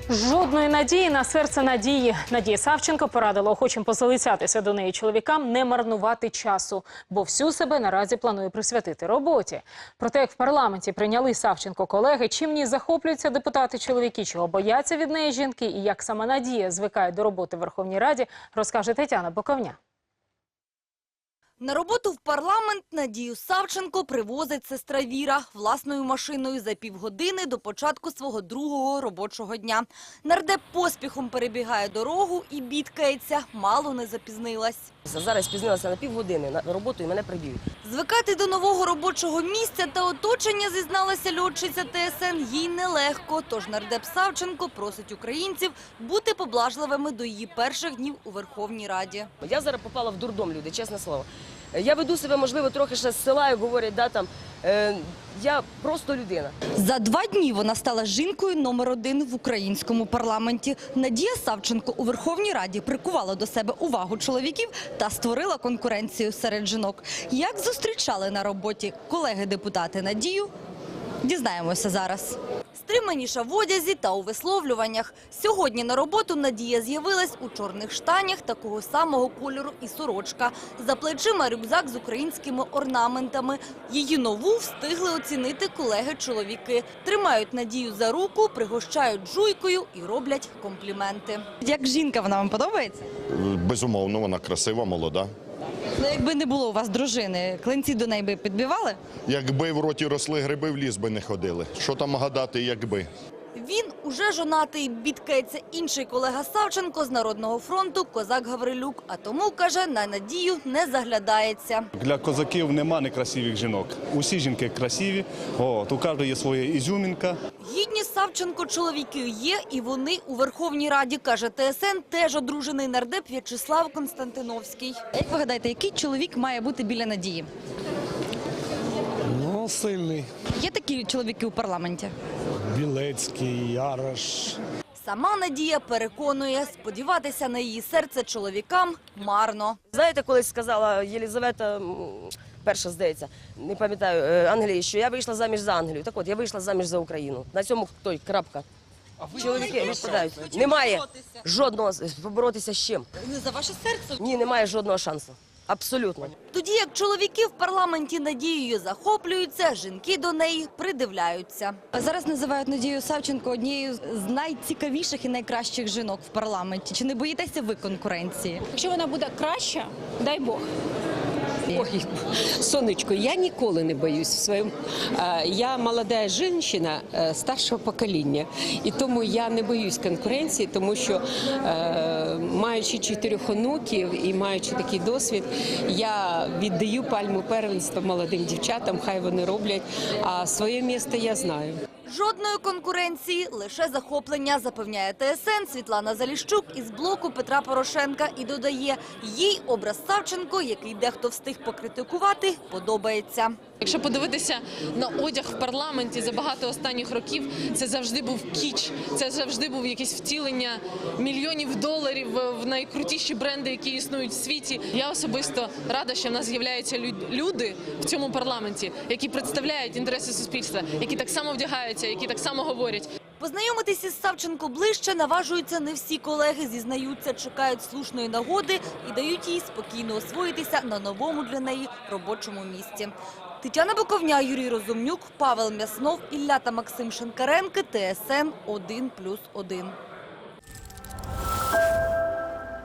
Жодної надії на серце надії. Надія Савченко порадила охочим позалицятися до неї чоловікам не марнувати часу, бо всю себе наразі планує присвятити роботі. Про те, як в парламенті прийняли Савченко колеги, чим в ній захоплюються депутати-чоловіки, чого бояться від неї жінки і як сама Надія звикає до роботи в Верховній Раді, розкаже Тетяна Боковня. На роботу в парламент Надію Савченко привозить сестра Віра власною машиною за півгодини до початку свого другого робочого дня. Нардеп поспіхом перебігає дорогу і бідкається, мало не запізнилась. Зараз спізнилася на півгодини на роботу і мене приб'ють. Звикати до нового робочого місця та оточення, зізналася льотчиця ТСН, їй нелегко. Тож нардеп Савченко просить українців бути поблажливими до її перших днів у Верховній Раді. Я зараз попала в дурдом, люди, чесне слово. Я веду себе, можливо, трохи ще з села, як говорять, я просто людина. За 2 дні вона стала жінкою номер 1 в українському парламенті. Надія Савченко у Верховній Раді прикувала до себе увагу чоловіків та створила конкуренцію серед жінок. Як зустрічали на роботі колеги-депутати Надію, дізнаємося зараз. Стриманіша в одязі та у висловлюваннях. Сьогодні на роботу Надія з'явилась у чорних штанях такого самого кольору і сорочка. За плечима рюкзак з українськими орнаментами. Її нову встигли оцінити колеги-чоловіки. Тримають Надію за руку, пригощають жуйкою і роблять компліменти. Як жінка, вона вам подобається? Безумовно, вона красива, молода. Ну, якби не було у вас дружини, клинці до неї би підбивали? Якби в роті росли гриби, в ліс би не ходили. Що там гадати, якби? Він уже жонатий, бідкається інший колега Савченко з Народного фронту Козак Гаврилюк. А тому, каже, на Надію не заглядається. Для козаків нема некрасивих жінок. Усі жінки красиві, у кожного є своя ізюмінка. Гідні Савченко чоловіки є, і вони у Верховній Раді, каже ТСН, теж одружений нардеп В'ячеслав Константиновський. Як ви гадаєте, який чоловік має бути біля Надії? Ну, сильний. Є такі чоловіки у парламенті? Білецький, Ярош. Сама Надія переконує, сподіватися на її серце чоловікам марно. Знаєте, колись сказала Єлизавета, перша, здається, не пам'ятаю, Англії, що я вийшла заміж за Англію. Так от, я вийшла заміж за Україну. На цьому крапка. Чоловіки відпадають. Немає жодного, поборотися з чим? Не за ваше серце? Ні, немає жодного шансу. Абсолютно. Тоді як чоловіки в парламенті Надією захоплюються, жінки до неї придивляються. Зараз називають Надію Савченко однією з найцікавіших і найкращих жінок в парламенті. Чи не боїтеся ви конкуренції? Якщо вона буде краща, дай Бог. Ой, сонечко, я ніколи не боюсь в своєму. Я молода жінка старшого покоління, і тому я не боюсь конкуренції, тому що маючи 4 онуків і маючи такий досвід, я віддаю пальму первенства молодим дівчатам, хай вони роблять, а своє місце я знаю. Жодної конкуренції, лише захоплення, запевняє ТСН Світлана Заліщук із блоку Петра Порошенка і додає, їй образ Савченко, який дехто встиг покритикувати, подобається. Якщо подивитися на одяг в парламенті за багато останніх років, це завжди був кіч, це завжди був якесь втілення мільйонів доларів в найкрутіші бренди, які існують в світі. Я особисто рада, що в нас з'являються люди в цьому парламенті, які представляють інтереси суспільства, які так само вдягаються, які так само говорять. Познайомитися з Савченко ближче наважуються не всі колеги, зізнаються, чекають слушної нагоди і дають їй спокійно освоїтися на новому для неї робочому місці. Тетяна Боковня, Юрій Розумнюк, Павел Мяснов, Ілля та Максим Шинкаренки, ТСН 1+1.